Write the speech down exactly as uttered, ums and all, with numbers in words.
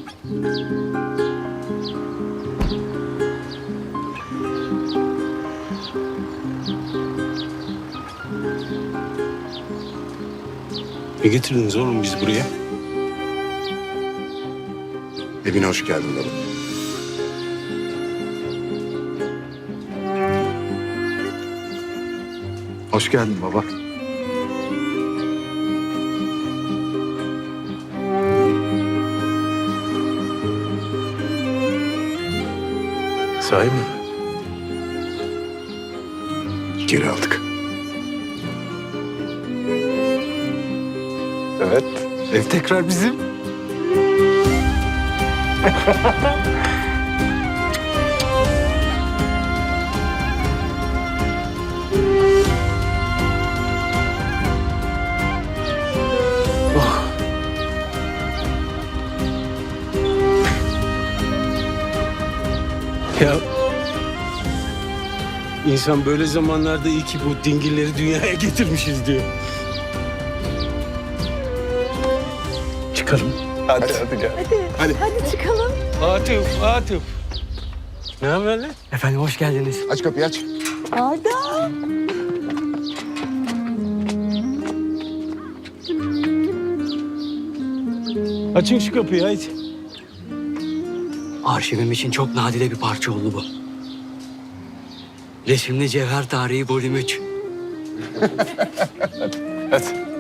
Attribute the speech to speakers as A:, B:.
A: Ne getirdiniz oğlum biz buraya?
B: Evine hoş geldin baba. Hoş geldin baba.
A: Sahi mi?
B: Geri aldık.
A: Evet. Ev tekrar bizim. Oh. Ya insan böyle zamanlarda iyi ki bu dingilleri dünyaya getirmişiz diyor. Çıkalım.
B: Hadi hadi gel.
C: Hadi, hadi çıkalım.
A: Atıf, Atıf. Ne haber lan?
D: Efendim hoş geldiniz.
B: Aç kapıyı aç.
C: Arda.
A: Açın şu kapıyı haydi.
D: Arşivim için çok nadide bir parça oldu bu. Resimli Cevher Tarihi Bölüm üç.
B: Hadi.